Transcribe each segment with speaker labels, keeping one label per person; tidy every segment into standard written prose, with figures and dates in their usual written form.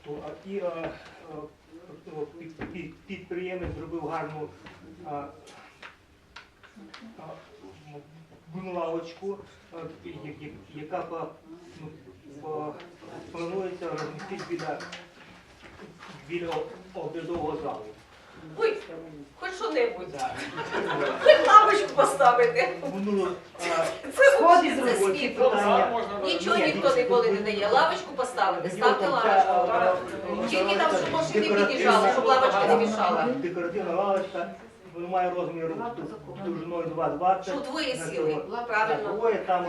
Speaker 1: І підприємець зробив гарну лавочку, яка планується розмістити біля обідового залу.
Speaker 2: Ой, хоч що-небудь. Хоч лавочку поставити. Це світло. Нічого ніхто ніколи не дає. Лавочку поставити, ставте лавочку. Тільки там, щоб машини під'їжджали, щоб лавочка не мішала.
Speaker 1: Декоративна лавочка, вона має розмір довжиною 2,20.
Speaker 2: Щоб двоє сіли, правильно.
Speaker 1: Двоє там...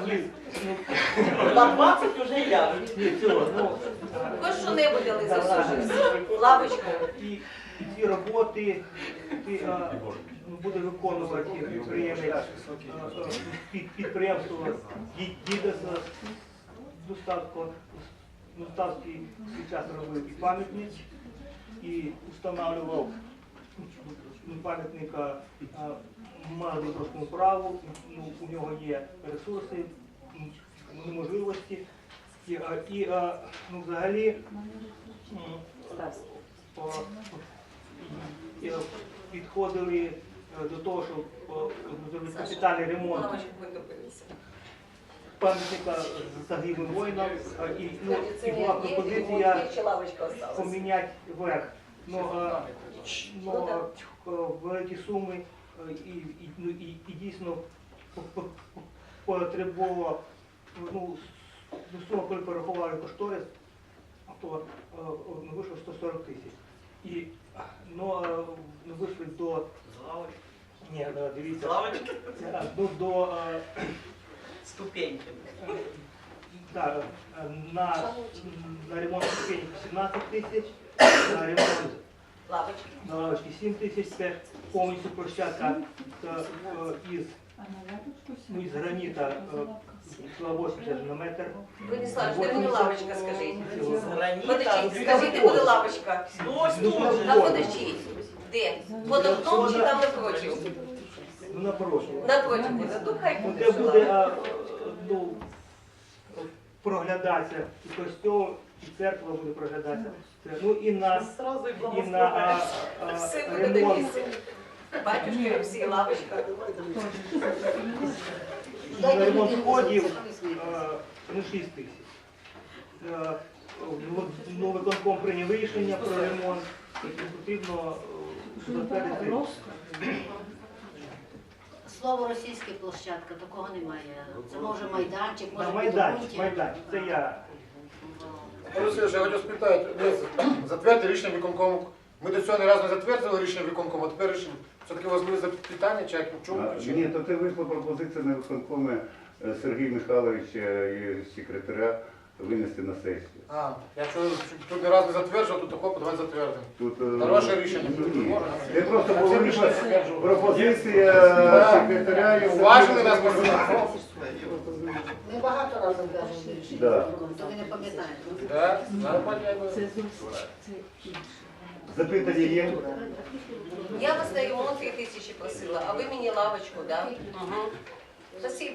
Speaker 3: На 20 вже я.
Speaker 2: Хоч що-небудь дали за лавочку.
Speaker 1: І ці роботи буде виконувати підприємство «Дідес». Доставський свій час робив і пам'ятник, і встановлював пам'ятника мали трошку праву, у нього є ресурси, можливості. І взагалі підходили до того, щоб зробити капітальний ремонт пам'ятника загиблим воїнам. І була пропозиція поміняти верх. Великі суми і дійсно потребувало, сума, коли порахували кошторис, то вийшло 140 тисяч. І вийшли до... Ні, дивіться. До...
Speaker 3: Ступеньки.
Speaker 1: Так, на ремонт ступенек 17 тисяч, на ремонт лавочки 7 тисяч, це повністю площадка із граніта 80 на метр.
Speaker 2: Ви не славиш, де мені лавочка, скажіть? Подождіть, скажіть, де буде лавочка? А подождіть, де? Под окном чи там напротив?
Speaker 1: Напротив.
Speaker 2: Напротив буде, ну хай буде.
Speaker 1: Де буде проглядатися і костьол, і церква буде проглядатися. І на ремонт.
Speaker 2: Батюшки, всі лавочка.
Speaker 1: На ремонт входів 6 тисяч. Виконком прийняв рішення про ремонт, і потрібно затвердити.
Speaker 4: Слово російська площадка, такого немає. Це може майданчик, може
Speaker 1: Майданчик, це я.
Speaker 5: Олексій, я хочу спитати, затвердити рішення виконкому. Ми до цього не разу не затвердили рішення виконкому, а тепер все-таки важливе запитання, чи в чому причина?
Speaker 6: Ні, то це вийшла пропозиція на виконкомі Сергія Михайловича і секретаря винести на сесію.
Speaker 5: Якщо тут не раз не затверджував, то такого давай затвердимо. Хороше рішення.
Speaker 6: Це просто була пропозиція секретаря і...
Speaker 5: Уважили нас,
Speaker 4: Ми багато разів кажемо рішення, то ви не пам'ятаєте.
Speaker 6: Запитання є?
Speaker 2: Я вас на ремонт 3 тисячі просила, а ви мені лавочку, да? Угу. Спасибо.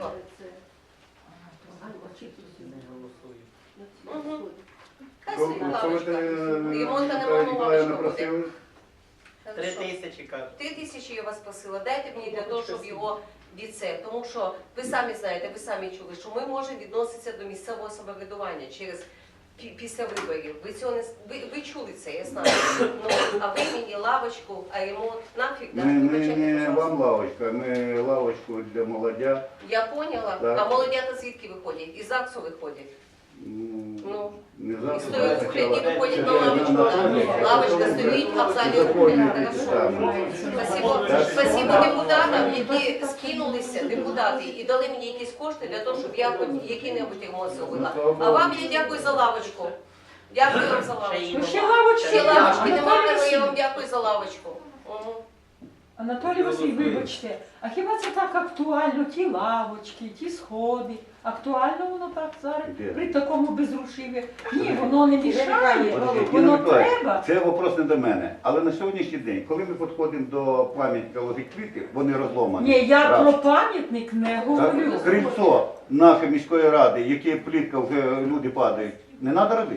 Speaker 2: Угу. Хай собі лавочка. Ремонта нема, лавочка буде.
Speaker 3: 3 тисячі, кажуть.
Speaker 2: 3 тисячі я вас просила, дайте мені для того, щоб його від це. Тому що ви самі знаєте, ви самі чули, що ми можемо відноситися до місцевого самоврядування через після виборів. Ви цього не ви чули це, я знаю. А ви мені лавочку, а ремонт нафіг, да?
Speaker 6: Не вам лавочка, ми лавочку для молодя.
Speaker 2: Я поняла.
Speaker 6: Так.
Speaker 2: А молодята звідки виходять? Із ЗАГСу виходять.
Speaker 6: Не
Speaker 2: І
Speaker 6: завжди.
Speaker 2: стоять в кухляні, виходять на лавочку. Лавочка стоїть, а в залі виходять. Хорошо. Спасибо депутатам, які скинулися, депутати, і дали мені якісь кошти для того, щоб я хоч який-небудь ремонт зробила. А вам я дякую за лавочку. Дякую вам за лавочку. Ще лавочки немає, але я вам дякую за лавочку.
Speaker 7: Анатолій Василь, вибачте, а хіба це так актуально, ті лавочки, ті сходи? Актуально воно так зараз, при такому безрушиві? Ні, воно не мішає, воно треба.
Speaker 6: Це вопрос не до мене. Але на сьогоднішній день, коли ми підходимо до пам'ятника ложить квіти, вони розломані.
Speaker 7: Ні, я про пам'ятник не говорю.
Speaker 6: Крильцо нашої міської ради, яке плітка, вже люди падають, не треба робити.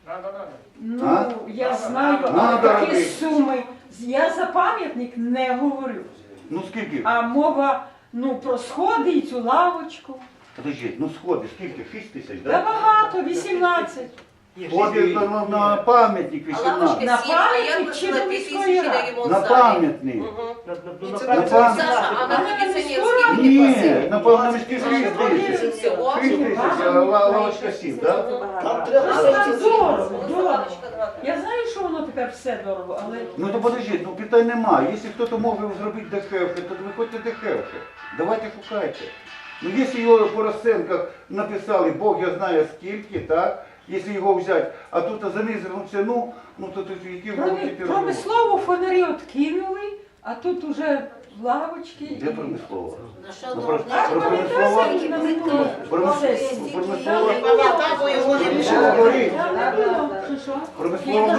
Speaker 5: Да.
Speaker 7: Ну,
Speaker 6: А?
Speaker 7: я знаю, але
Speaker 6: Надо
Speaker 7: такі
Speaker 6: робити.
Speaker 7: суми. Я за пам'ятник не говорю.
Speaker 6: Ну скільки?
Speaker 7: А мова, ну, про сходи і цю лавочку.
Speaker 6: Подождіть, ну сходи, скільки? 6 тисяч,
Speaker 7: Та
Speaker 6: так?
Speaker 7: багато, 18.
Speaker 6: Сходи на пам'ятник
Speaker 2: А лавочка
Speaker 6: 18.
Speaker 7: На
Speaker 2: 7, а я
Speaker 7: пам'ятник
Speaker 2: просила
Speaker 7: чи до
Speaker 2: 2
Speaker 7: міської
Speaker 2: тисячі на
Speaker 7: ради?
Speaker 2: ремонт
Speaker 6: На
Speaker 2: залі.
Speaker 6: пам'ятник.
Speaker 2: Мгм.
Speaker 1: Ну,
Speaker 5: це
Speaker 1: на
Speaker 6: пам'ять.
Speaker 2: Саша, а на
Speaker 7: А
Speaker 2: кондиціонерський
Speaker 7: на
Speaker 2: не
Speaker 6: Ні,
Speaker 2: просив?
Speaker 6: на міській 6 тисяч.
Speaker 2: Всього?
Speaker 6: 6 тисяч, а лавочка 7, так?
Speaker 1: Там треба
Speaker 7: Ну, так
Speaker 1: все
Speaker 7: дорого,
Speaker 2: Ну,
Speaker 7: дорого.
Speaker 2: лавочка дорога.
Speaker 7: Я знаю, що воно тепер все дорого, але
Speaker 6: Ну то подождіть, ну питань немає. Якщо хтось може зробити дешевше, то виходьте дешевше. Давайте шукайте. Ну якщо його по розцінках написали, Бог я знає скільки, так? Якщо його взяти, а тут занизили ціну, ну то тут які гроші ти робиш?
Speaker 7: промислову фонарі откинули, а тут уже лавочки.
Speaker 6: Де промислово?
Speaker 4: На що
Speaker 6: Ну,
Speaker 4: можна?
Speaker 6: промислова?
Speaker 4: Скільки плитка коштує?
Speaker 6: Промислова?
Speaker 3: Пам'ятаю, бо його не
Speaker 6: Що
Speaker 3: рішили.
Speaker 6: говорить?
Speaker 7: Там не було. Що?
Speaker 6: Промислова?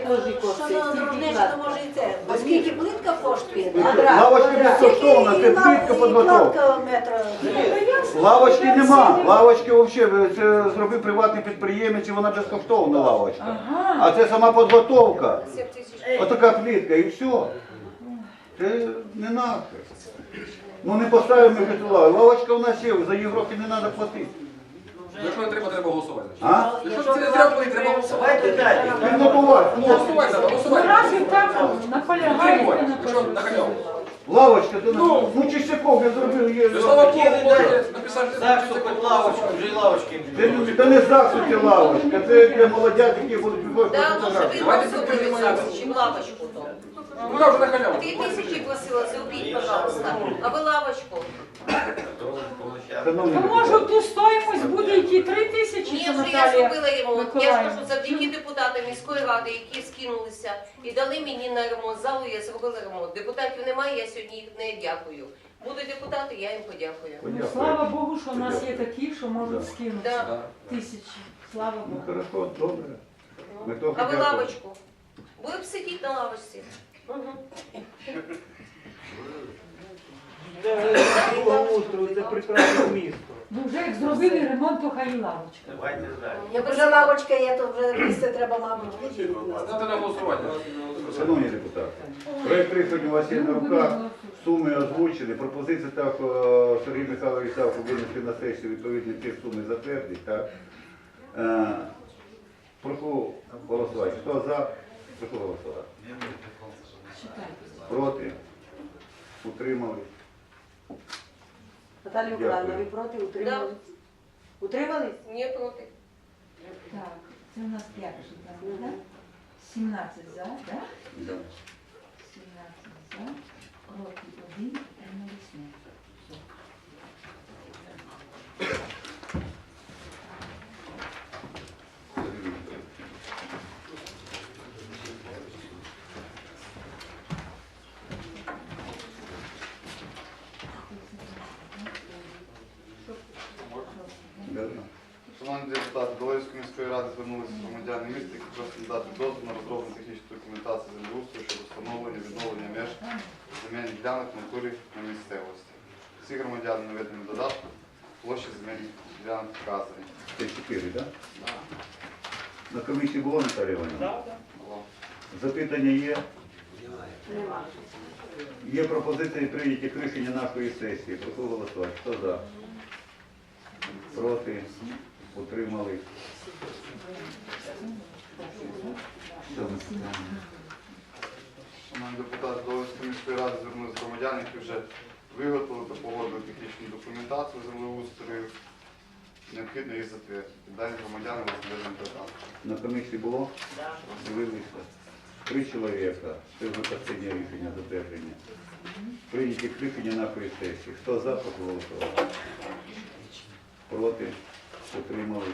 Speaker 4: Оскільки плитка коштує?
Speaker 6: Лавочка безкоштовна, це плитка підготовка. Лавочки нема. Лавочки взагалі, це зробив приватний підприємець і вона безкоштовна лавочка.
Speaker 7: Ага.
Speaker 6: А це сама підготовка.
Speaker 2: 7 тисяч.
Speaker 6: Отака плитка і все. Це не наше. Ну не поставимо ми вже ту лаву. Лавочка у нас є, за її гроші не треба платити.
Speaker 5: Якщо не треба, треба голосувати.
Speaker 6: А?
Speaker 5: Якщо це не треба, треба голосувати.
Speaker 3: Давайте далі.
Speaker 6: Підготувати.
Speaker 5: Голосувати треба,
Speaker 7: Ну,
Speaker 5: голосувати.
Speaker 7: раз і так наполягаєте на
Speaker 5: Що,
Speaker 7: першому.
Speaker 5: на халяву?
Speaker 6: Лавочка, то ну Чистяков я зробив її.
Speaker 5: Ну, слава Богу, можете написати.
Speaker 3: Так, що під лавочку, вже й лавочки.
Speaker 6: Це не заксуті лавочка, це для молодят, які будуть виходити
Speaker 2: Да, ну,
Speaker 6: фотографії.
Speaker 2: щоб ви зробили зараз, чим лавочку то.
Speaker 5: Ну, я вже на халяву.
Speaker 2: 2 тисячі просила, зробіть, пожалуйста. А ви лавочку?
Speaker 6: Шановні
Speaker 7: То може
Speaker 6: депутати,
Speaker 7: в ту стоїмость буде йти 3 тисячі,
Speaker 2: Ні,
Speaker 7: що
Speaker 2: вже я
Speaker 7: Наталія.
Speaker 2: зробила ремонт. Я ж
Speaker 7: Миколаївна.
Speaker 2: кажу, завдяки депутатам міської ради, які скинулися і дали мені на ремонт залу, я зробила ремонт. Депутатів немає, я сьогодні їх не дякую. Будуть депутати, я їм подякую.
Speaker 7: Ну, слава Богу, що в нас є такі, що можуть скинути
Speaker 2: Да.
Speaker 7: тисячі. Слава
Speaker 6: Ну
Speaker 7: Богу.
Speaker 6: хорошо, добре. Ми трохи
Speaker 2: А ви
Speaker 6: дякуємо.
Speaker 2: лавочку? Будемо сидіти на лавочці.
Speaker 1: Це благоустрою, це прекрасне місто.
Speaker 7: Ну вже як зробили ремонт, то хай і лавочка.
Speaker 3: Давайте далі.
Speaker 4: Як вже лавочка є, то вже місце треба, мабуть,
Speaker 5: Ставте на голосування.
Speaker 6: Шановні депутати, проект рішення у вас є на руках, суми озвучені, пропозиція так Сергій Михайлович Савко винести на сесію відповідні ті суми затвердить. Так. Прошу голосувати. Хто за? Прошу голосувати.
Speaker 7: Читайте.
Speaker 6: Проти? Утримали?
Speaker 8: Наталія Миколаївна, ви проти? Утримались? Утримались?
Speaker 2: Ні, проти.
Speaker 7: Так, це у нас 5 питання, так? 17 за, так?
Speaker 6: Да.
Speaker 7: 17 за, проти 1, утримались 0.
Speaker 6: Да.
Speaker 9: Шановні депутати, до Львівської міської ради звернулися громадяни міста, які просять надати дозвіл на розроблення технічної документації землеустрою щодо встановлення відновлення меж земельних ділянок в натурі на місцевості. Всі громадяни наведені в додатку, площі земельних ділянок вказані.
Speaker 6: Це 4, так? На комісії було, Наталія Іванівна?
Speaker 1: Да, да.
Speaker 9: Було.
Speaker 6: Запитання є?
Speaker 8: Нема.
Speaker 6: Є пропозиції прийняті рішення нашої сесії. Прошу голосувати. Хто за? Проти? Утримали?
Speaker 9: Шановні депутати, до Львівської міської ради звернулися громадяни, які вже виготовили та погодили технічну документацію землеустрою. Необхідно їх затвердити. Далі громадяни розглядають питання.
Speaker 6: На комісії було? Дивилися. 3 чоловіка. Це вже останнє рішення затвердження. Прийняті рішення нашої сесії. Хто за, прошу голосувати. Проти? Утримали?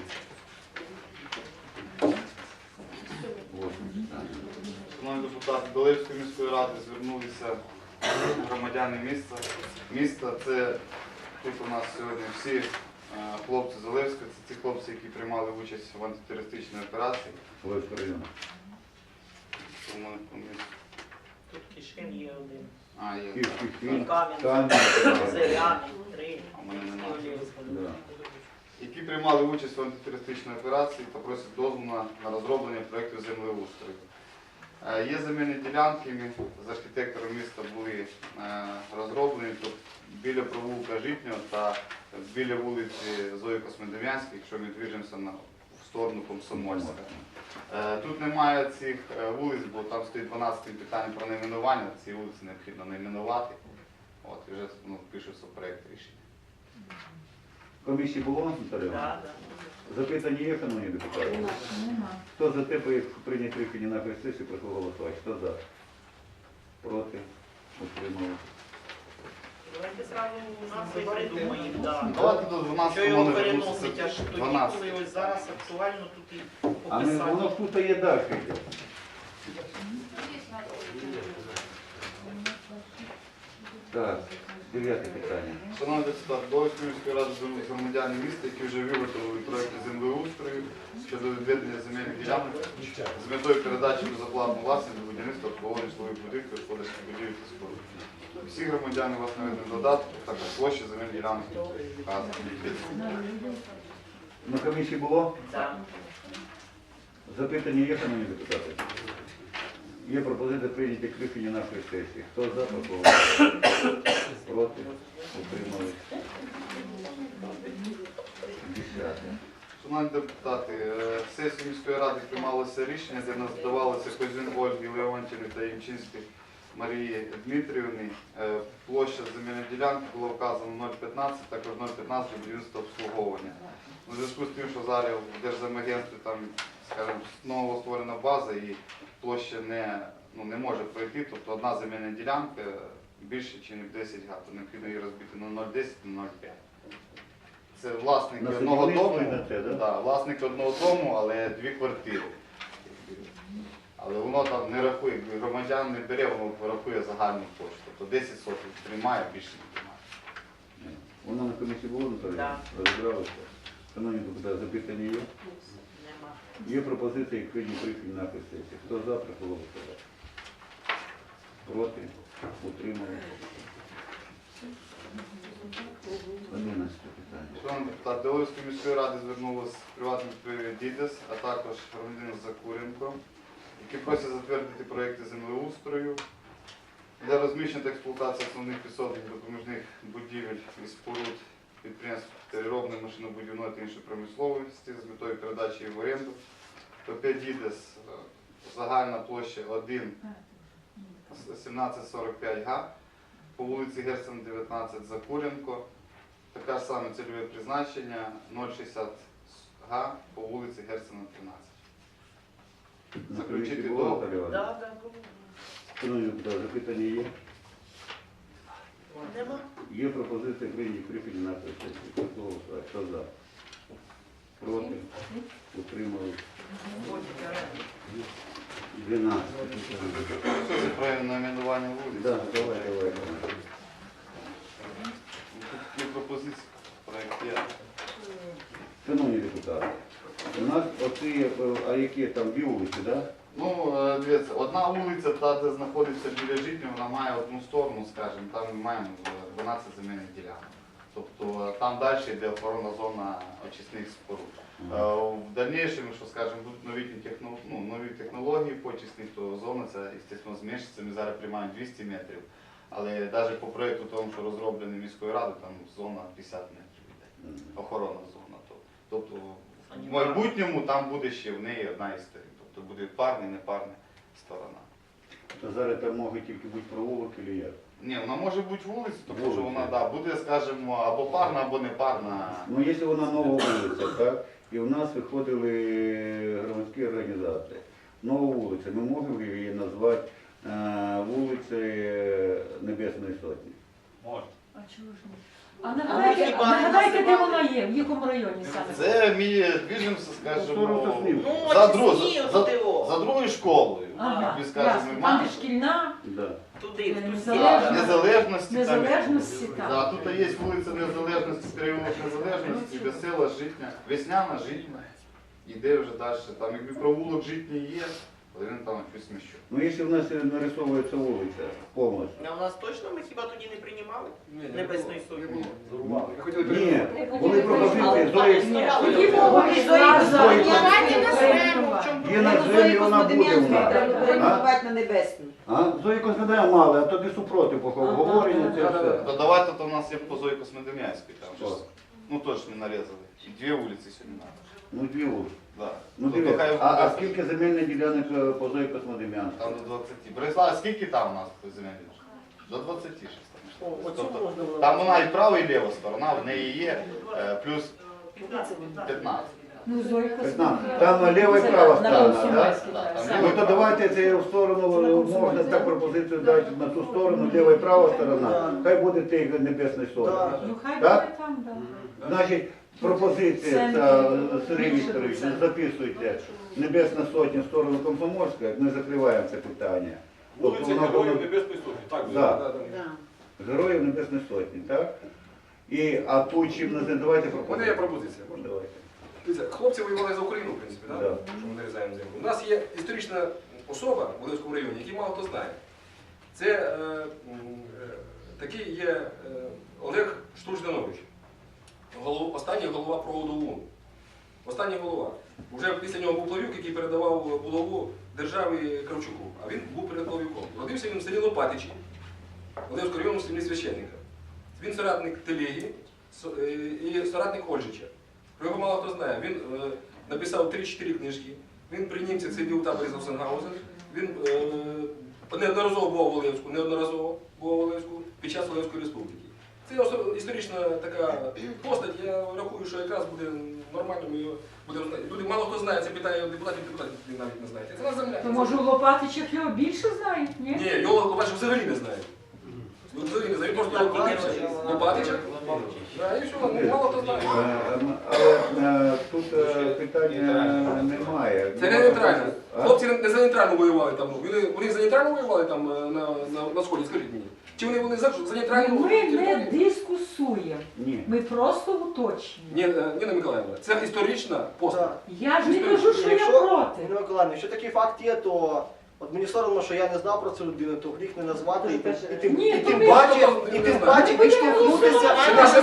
Speaker 6: 8.
Speaker 9: Шановні депутати, до Львівської міської ради звернулися громадяни міста. Це тут у нас сьогодні всі хлопці з Олевська, це ті хлопці, які приймали участь в антитерористичній операції.
Speaker 6: Левського району.
Speaker 9: Тому вони по місту.
Speaker 3: Тут Кишин є один.
Speaker 9: А, є.
Speaker 6: Київський фільм.
Speaker 3: Кам'янка,
Speaker 6: Кам'янка.
Speaker 3: Зеляний, 3.
Speaker 9: А в мене немає.
Speaker 6: Да.
Speaker 9: які приймали участь в антитерористичній операції та просять дозволу на розроблення проєкту землеустрою. Є земельні ділянки, ми з архітектором міста були розроблені тут біля провулка Житнього та біля вулиці Зої Космодем'янської, якщо ми движемося в сторону Комсомольська. Тут немає цих вулиць, бо там стоїть 12 питання про найменування, ці вулиці необхідно найменувати. От, і вже пишеться проєкт рішення.
Speaker 6: Комісії було, Наталія?
Speaker 3: Да, да.
Speaker 6: Запитання є, шановні депутати?
Speaker 7: Нема.
Speaker 6: Хто за те, прийняти рішення на сесію, прошу голосувати. Хто за? Проти? Утримали.
Speaker 3: Давайте зразу назви придумаємо. Да.
Speaker 9: Давайте до 12
Speaker 3: Що його
Speaker 9: номер
Speaker 3: переносить аж тоді,
Speaker 9: 12.
Speaker 3: коли ось зараз актуально тут і
Speaker 6: А ми, воно
Speaker 3: описати.
Speaker 6: ж тут є далі. йде. Так, 9 питання.
Speaker 9: Шановні депутати, до Львівської міської ради звернулися громадяни міста, які вже виготовили проєкти землеустрою щодо відведення земельних ділянок з метою передачі безоплатну власність до будівництва обслуговування житлових будинків, господарських будівель та споруд. Всі громадяни у вас наведені додатку, також площі земельних ділянок вказані.
Speaker 6: На комісії було?
Speaker 3: Да.
Speaker 6: Запитання є, шановні депутати? Є пропозиція прийняти рішення нашої сесії. Хто за, прошу голосувати. Проти? Утримались. 10.
Speaker 9: Шановні депутати, сесію міської ради приймалося рішення, де надавалося Козюн Ольги Леонтівни та Ємчинській Марії Дмитрівни. Площа земельної ділянки було вказано 0,15, також 0,15 будівництва обслуговування. У зв'язку з тим, що зараз в Держземагентстві там, скажімо, ново створена база і площа не може пройти, тобто одна земельна ділянка більше, ніж 10 га, то необхідно її розбити на 0,10, на 0,5. Це власник
Speaker 6: На
Speaker 9: одного
Speaker 6: садівництво
Speaker 9: дому,
Speaker 6: йдете, да?
Speaker 9: да, власник одного дому, але 2 квартири. Але воно там не рахує, громадян не бере, воно рахує загальну площу. Тобто 10 сотень приймає, більше не приймає.
Speaker 6: Вона на комісії було, Наталія?
Speaker 3: Да.
Speaker 6: Розібралися? Шановні депутати, запитання є?
Speaker 3: Нема.
Speaker 6: Є пропозиція і прийняти рішення нашої сесії. Хто за, прошу голосувати. Проти? Утримали. 11 питання.
Speaker 9: Шановні депутати, до Львівської міської ради звернулася приватний підприємець Дідес, а також громадянин Закуренко, які просять затвердити проєкти землеустрою для розміщення та експлуатації основних підсобних допоміжних будівель і споруд підприємств переробної, машинобудівної та іншої промисловості з метою передачі її в оренду. ПП Дідес, загальна площа 1,1745 га, по вулиці Герцена, 19, Закуренко. Таке ж саме цільове призначення 0,60 га по вулиці Герцена, 13.
Speaker 6: На комісії
Speaker 9: Заключити
Speaker 6: було,
Speaker 9: договір.
Speaker 6: Наталія Іванівна?
Speaker 3: Да, да, було.
Speaker 6: Шановні депутати, запитання є?
Speaker 3: Нема.
Speaker 6: Є пропозиція прийняти рішення нашої сесії. Прошу голосувати. Хто за? Проти? Утримали. 12 питання.
Speaker 9: Що це правильне найменування вулиць?
Speaker 6: Да, давай.
Speaker 9: Тут є пропозиції, проєкт є.
Speaker 6: Шановні депутати, у нас оці, а які там 2 вулиці, да?
Speaker 9: Ну, дивіться, одна вулиця, та, де знаходиться біля Житнього, вона має одну сторону, скажімо, там ми маємо 12 земельних ділянок. Тобто там далі йде охоронна зона очисних споруд. В дальнішому, що скажімо, будуть нові технології по очисних, то зона ця, звісно, зменшиться. Ми зараз приймаємо 200 метрів, але навіть по проєкту тому, що розроблений міською радою, там зона 50 метрів йде, охоронна зона. Тобто в майбутньому там буде ще в неї одна із сторін. Тобто буде парна і непарна сторона.
Speaker 6: То зараз там може тільки бути провулок чи як?
Speaker 9: Ні, вона може бути вулиця, тому що вона буде, скажімо, або парна, або непарна.
Speaker 6: Ну, якщо вона нова вулиця, так? І в нас виходили громадські організації. Нова вулиця, ми можемо її назвати вулицею Небесної Сотні?
Speaker 3: Можна.
Speaker 7: А чого ж ні? А нагадайте, де вона є, в якому районі саме?
Speaker 9: Це ми движемося, скажімо,
Speaker 3: Ну,
Speaker 9: за другою школою.
Speaker 7: Ага,
Speaker 9: Ми скажемо,
Speaker 7: ясно.
Speaker 9: ми
Speaker 7: Там
Speaker 9: маємо
Speaker 7: де шкільна,
Speaker 6: Да.
Speaker 3: Туди, в ту
Speaker 7: Незалежності.
Speaker 3: сторону.
Speaker 9: Незалежності.
Speaker 7: Незалежності, так.
Speaker 9: Да, тут є вулиця Незалежності, переулок Незалежності, Весела, Житня, Весняна, Житня. Іде вже далі. Там якби провулок Житній є, Валерій Натанович Сміщук.
Speaker 6: Ну, якщо в нас нарисовується вулиця повністю.
Speaker 3: А у нас точно ми хіба тоді не приймали Небесної Сотні?
Speaker 6: Ні, були пропозиції, Зої,
Speaker 7: Тоді мова йшла за
Speaker 6: є на землі, вона буде в нас.
Speaker 8: Перейменувати на небесну.
Speaker 6: Зої Космедем'янська мали, а тоді супроти говорення, це все.
Speaker 9: Да давайте, то у нас є по Зої Космодем'янській, там
Speaker 6: Що?
Speaker 9: же, ну точно не нарізали. І 2 вулиці сьогодні надо.
Speaker 6: Ну, дві вулиці.
Speaker 9: Да.
Speaker 6: Ну,
Speaker 9: То
Speaker 6: дивіться,
Speaker 9: хай
Speaker 6: а
Speaker 9: буде-
Speaker 6: скільки земельних ділянок по Зої Космодем'янській?
Speaker 9: Там до 20. Борислав, скільки там у нас земель? До 26. Тобто, там вона і права, і ліва сторона, в неї є плюс 15.
Speaker 7: Ну, Зойка
Speaker 6: 15. Там ліва і права сторона, так?
Speaker 9: Да,
Speaker 6: Ну то давайте це в сторону, можна так пропозицію дати на ту сторону, ліва і права сторона, хай буде тих Небесної Сотні.
Speaker 7: Ну, хай
Speaker 6: Так?
Speaker 7: буде там, да.
Speaker 6: Значить, пропозиція, ця, Сергій Вікторович, записуйте Небесна Сотня в сторону Комсомольська, ми закриваємо це питання. Тобто
Speaker 10: Вулиця
Speaker 6: воно
Speaker 10: Героїв
Speaker 6: буде-
Speaker 10: Небесної Сотні. Так,
Speaker 6: Да.
Speaker 4: Да.
Speaker 6: Героїв Небесної Сотні, так? А тут чим називаємо, давайте
Speaker 5: У мене є
Speaker 6: пропозицію.
Speaker 5: пропозиція. Можна?
Speaker 6: Давайте.
Speaker 5: Дивіться, хлопці воювали за Україну, в принципі, так?
Speaker 6: Да.
Speaker 5: Що ми нарізаємо землю. У нас є історична особа в Волинському районі, який мало хто знає. Це такий є Олег Штуржданович, останній голова проводу ОУН. Останній голова. Уже після нього був Плавюк, який передавав булаву державі Кравчуку, а він був перед Плавюком. Родився він в селі Лопатичі, Волинського району в селі священника. Він соратник Телегі і соратник Ольжича. Про його мало хто знає. Він написав 3-4 книжки. Він при німцях сидів у таборі Завсенгаузен. Він неодноразово був у Волинську під час Волинської республіки. Це історична така постать. Я рахую, що якраз буде нормально, ми його будемо знати. Люди мало хто знає, це питає депутатів навіть не знають. Це наша земля.
Speaker 7: То може у Лопатичах його більше знають, ні?
Speaker 5: Ні, його Лопатичах взагалі не знають. Взагалі не знають, просто Лопатичах. Да, і все, ну, мало хто знає.
Speaker 6: Але тут питання немає.
Speaker 5: Це не нейтрально. Хлопці не за нейтрально воювали там. Вони за нейтрально воювали там на сході, скажіть мені. Чи вони за нейтральну
Speaker 7: Ми не
Speaker 5: територію?
Speaker 7: дискусуємо,
Speaker 6: Ні.
Speaker 7: ми просто уточнюємо.
Speaker 5: Ніна Миколаївна, це історична постать.
Speaker 7: Я ж не кажу, що я проти.
Speaker 11: Ірина Миколаївна, якщо такий факт є, то от мені соромно, що я не знав про цю людину, то гріх не назвати і
Speaker 7: Ні,
Speaker 11: тим
Speaker 7: то
Speaker 11: паче
Speaker 7: ми-
Speaker 11: відштовхнутися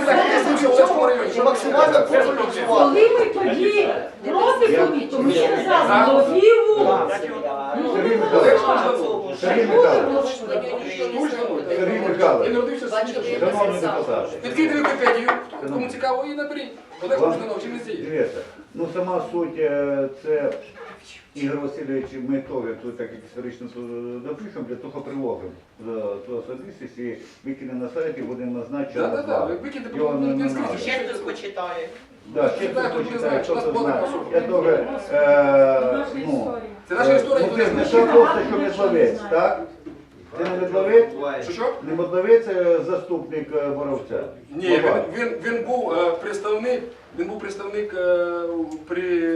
Speaker 11: і максимально профілізувати.
Speaker 7: Коли ми тоді проти були, то ми сказали Ловіву.
Speaker 6: Сергій Михайлович, Сергій Михайлович, Сергій
Speaker 5: Він
Speaker 6: Михайлович,
Speaker 5: родився в
Speaker 2: Бачите,
Speaker 5: селі.
Speaker 6: шановні депутати.
Speaker 5: Відкрийте Вікіпедію, кому цікаво, і наберіть. Олег Штуржданович, чим не зі.
Speaker 6: Дивіться, ну сама суть це Ігор Васильович, ми теж тут так історично напишемо, для того приложимо до особистості і викинемо на сайт і будемо знати, що
Speaker 5: Так,
Speaker 6: назвали.
Speaker 5: викиньте,
Speaker 6: Його не
Speaker 5: він
Speaker 6: надо.
Speaker 5: скрізь.
Speaker 3: Ще хтось почитає.
Speaker 6: Да, ще хтось почитає, хто це знає. Я теж,
Speaker 7: Наша
Speaker 6: ну,
Speaker 7: історія.
Speaker 5: Це наша історія,
Speaker 6: ну,
Speaker 5: ніхто
Speaker 6: це
Speaker 5: не
Speaker 6: не
Speaker 5: знає.
Speaker 6: що просто, що Медловець, так? Це не Медловець?
Speaker 5: Що?
Speaker 6: Не Медловець, заступник Боровця?
Speaker 5: Ні, він був представник при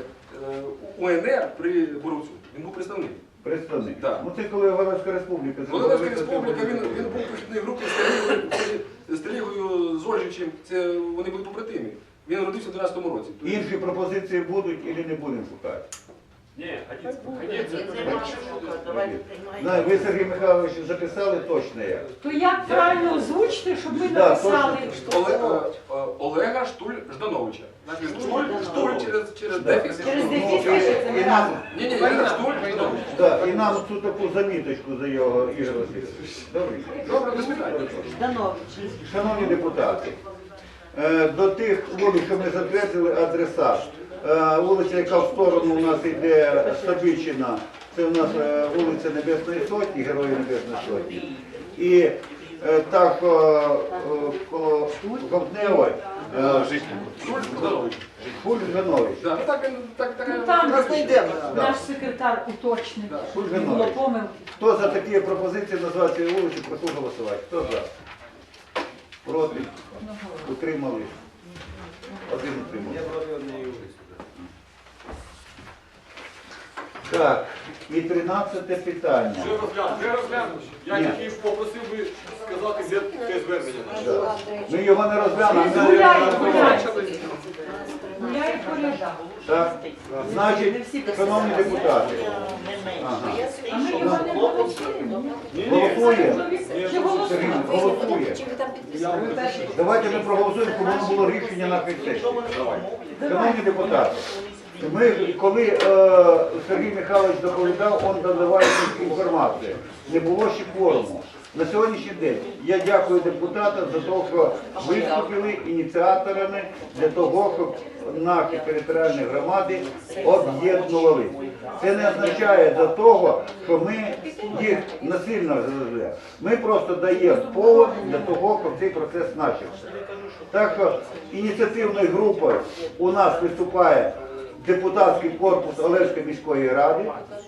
Speaker 5: УНР при Боровцю. Він був представник.
Speaker 6: Представник.
Speaker 5: Да.
Speaker 6: Ну це коли Волинська республіка. це
Speaker 5: Волинська
Speaker 6: Волинська
Speaker 5: республіка, він був в похідній групі з Телігою, з Ольжичем. Це вони були побратимі. Він родився в 12-му році.
Speaker 6: Інші пропозиції будуть і не будемо шукати?
Speaker 10: Ні, ходіть.
Speaker 2: Давайте
Speaker 6: Знаю, ви, Сергій Михайлович, записали точно як.
Speaker 7: То як правильно озвучити, щоб ми
Speaker 6: Да,
Speaker 7: написали?
Speaker 5: Олега Штуль-Ждановича. Значить, Штуль через дефіс.
Speaker 8: Через
Speaker 6: Ну,
Speaker 8: дефіс
Speaker 6: і
Speaker 8: пишеться.
Speaker 6: нам,
Speaker 5: Ні, Штуль-Жданович.
Speaker 6: да, і нам цю таку заміточку за його Ігор Васильович. Добре.
Speaker 5: Добре, без питань.
Speaker 8: Жданович.
Speaker 6: Шановні депутати, до тих вулиць, що ми затвердили, адреса. Вулиця, яка в сторону у нас йде Сабичина, це у нас вулиця Небесної Сотні, Героїв Небесної Сотні. І так коло Ковтневої,
Speaker 5: Штуль-Жданович.
Speaker 6: Хуль-Жанович.
Speaker 5: Да, ну так він,
Speaker 7: Ну, там
Speaker 11: Нас знайдемо.
Speaker 7: наш секретар уточнив,
Speaker 5: Да.
Speaker 7: щоб не було помилки.
Speaker 6: Хто за такі пропозиції назвати цієї вулиці, прошу голосувати. Хто за? Проти? Утримали? Один утримався. Так, і 13 питання.
Speaker 10: Вже розглянув. Я
Speaker 6: Ні.
Speaker 10: тільки попросив би сказати, де те звернення наше.
Speaker 6: Да. Ми його не розглянемо. ми
Speaker 7: Гуляє,
Speaker 6: не
Speaker 7: гуляє.
Speaker 6: розглянемо.
Speaker 7: Гуляє по рядах.
Speaker 6: Так, значить, шановні депутати, Ага.
Speaker 7: А ми його не голосуємо.
Speaker 6: Голосує.
Speaker 7: Чи голосуємо?
Speaker 6: Сергій голосує.
Speaker 2: Чи ви там підписали?
Speaker 6: Давайте ми проголосуємо, щоб воно було рішення на сесії. Шановні депутати, ми, коли Сергій Михайлович доповідав, він додавав інформацію. Не було ще кворуму. На сьогоднішній день я дякую депутатам за те, що виступили ініціаторами для того, щоб наші територіальні громади об'єднувалися. Це не означає до того, що ми їх насильно розглядаємо. Ми просто даємо повод для того, щоб цей процес почався. Так що ініціативною групою у нас виступає депутатський корпус Олевської міської ради.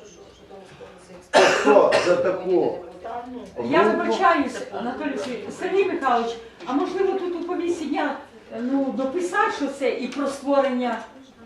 Speaker 6: Хто за таку
Speaker 7: Я
Speaker 6: групу?
Speaker 7: вибачаюсь, Анатолій Сергійович. Сергій Михайлович, а можливо тут у комісії дописати, що це і про створення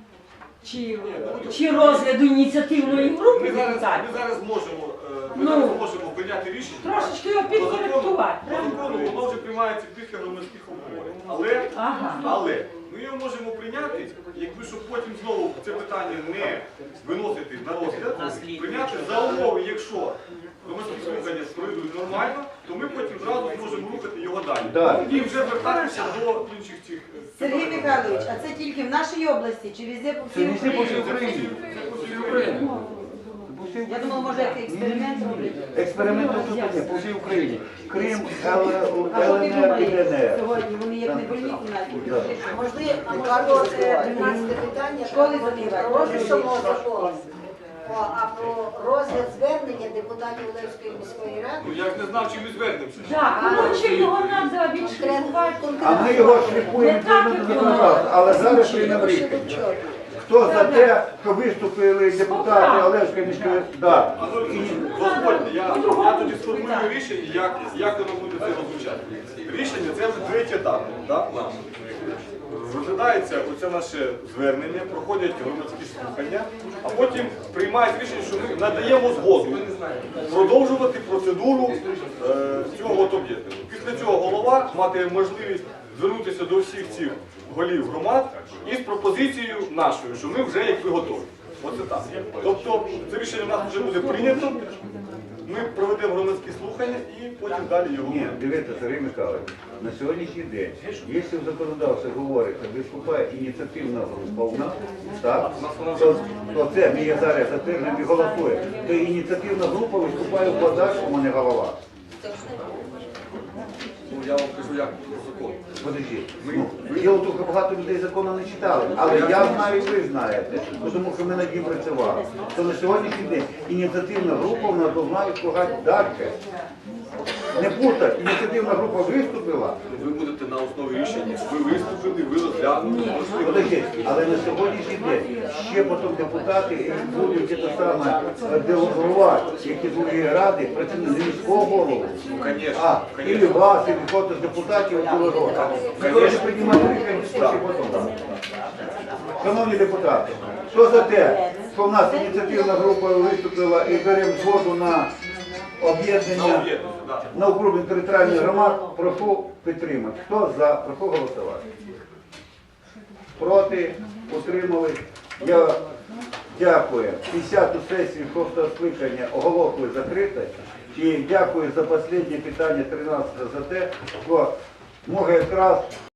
Speaker 7: чи розгляду ініціативної групи
Speaker 10: Ми зараз
Speaker 7: депутатів?
Speaker 10: можемо прийняти рішення.
Speaker 7: Трошечки його
Speaker 10: По
Speaker 7: підкоректувати.
Speaker 10: закону воно вже приймається після громадських обговорень. Але ми його можемо прийняти, якби щоб потім знову це питання не виносити на розгляд, прийняти за умови, якщо громадські слухання пройдуть нормально, то ми потім зразу зможемо рухати його далі. І вже звертатися до інших цих.
Speaker 8: Сергій Михайлович, а це тільки в нашій області чи везде по
Speaker 6: Це
Speaker 8: всій
Speaker 6: не всі по
Speaker 8: Україні?
Speaker 6: всій Україні.
Speaker 8: Я думала, може, як експеримент роблять.
Speaker 6: Експерименти тут є, по всій Україні. Крим,
Speaker 8: А що ти
Speaker 6: ЛНР і
Speaker 8: думаєш
Speaker 6: ДНР.
Speaker 8: сьогодні? Вони як не больні навіть.
Speaker 4: Можливо, 13 питання,
Speaker 8: Школи закривають.
Speaker 4: розгляд закону. А про розгляд звернення депутатів Олевської міської ради
Speaker 10: Ну я ж не знав, чим ми звернемося.
Speaker 7: Так, коротше, його треба відшліфувати.
Speaker 6: А ми його шліфуємо відповідно до законодавства, але зараз приймемо рішення. Хто за те, що виступили депутати Олевської міської ради? Да.
Speaker 10: Дозвольте, я тоді сформулюю рішення, як воно буде це роззвучати. Рішення це вже третій етап. Розглядається оце наше звернення, проходять громадські слухання, а потім приймають рішення, що ми надаємо згоду продовжувати процедуру цього об'єднання. Після цього голова матиме можливість звернутися до всіх цих голів громад із пропозицією нашою, що ми вже якби готові. Оце так. Тобто це рішення в нас вже буде прийнято, ми проведемо громадські слухання і потім далі його.
Speaker 6: Ні, дивіться, Сергій Михайлович, на сьогоднішній день, якщо в законодавстві говориться, виступає ініціативна група у нас, так, то це ми її зараз затверджуємо і голосуємо, то ініціативна група виступає в подальшому, а не голова.
Speaker 10: Ну, я вам кажу, як по закону.
Speaker 6: Подожди, діло тут багато людей закону не читали, але я знаю, і ви знаєте, тому що ми над ним працювали. То на сьогоднішній день ініціативна група в нас повинна відкладати далі. Не путать, ініціативна група виступила.
Speaker 10: Ви будете на основі рішення, ви виступили, ви розглянули.
Speaker 6: Подожди, але на сьогоднішній день ще потім депутати будуть те саме делегувати, які другі ради, працюють не міського голову, а і вас, і хто з депутатів делегувати. Ми повинні приймати рішення дискусії потім. Шановні депутати, хто за те, що в нас ініціативна група виступила і беремо згоду на об'єднання на окружних територіальних громад, прошу підтримати. Хто за, прошу голосувати. Проти, утримали. Я дякую. 50-ту сесію 6-го скликання оголошую закритою. І дякую за останнє питання 13 за те, що може якраз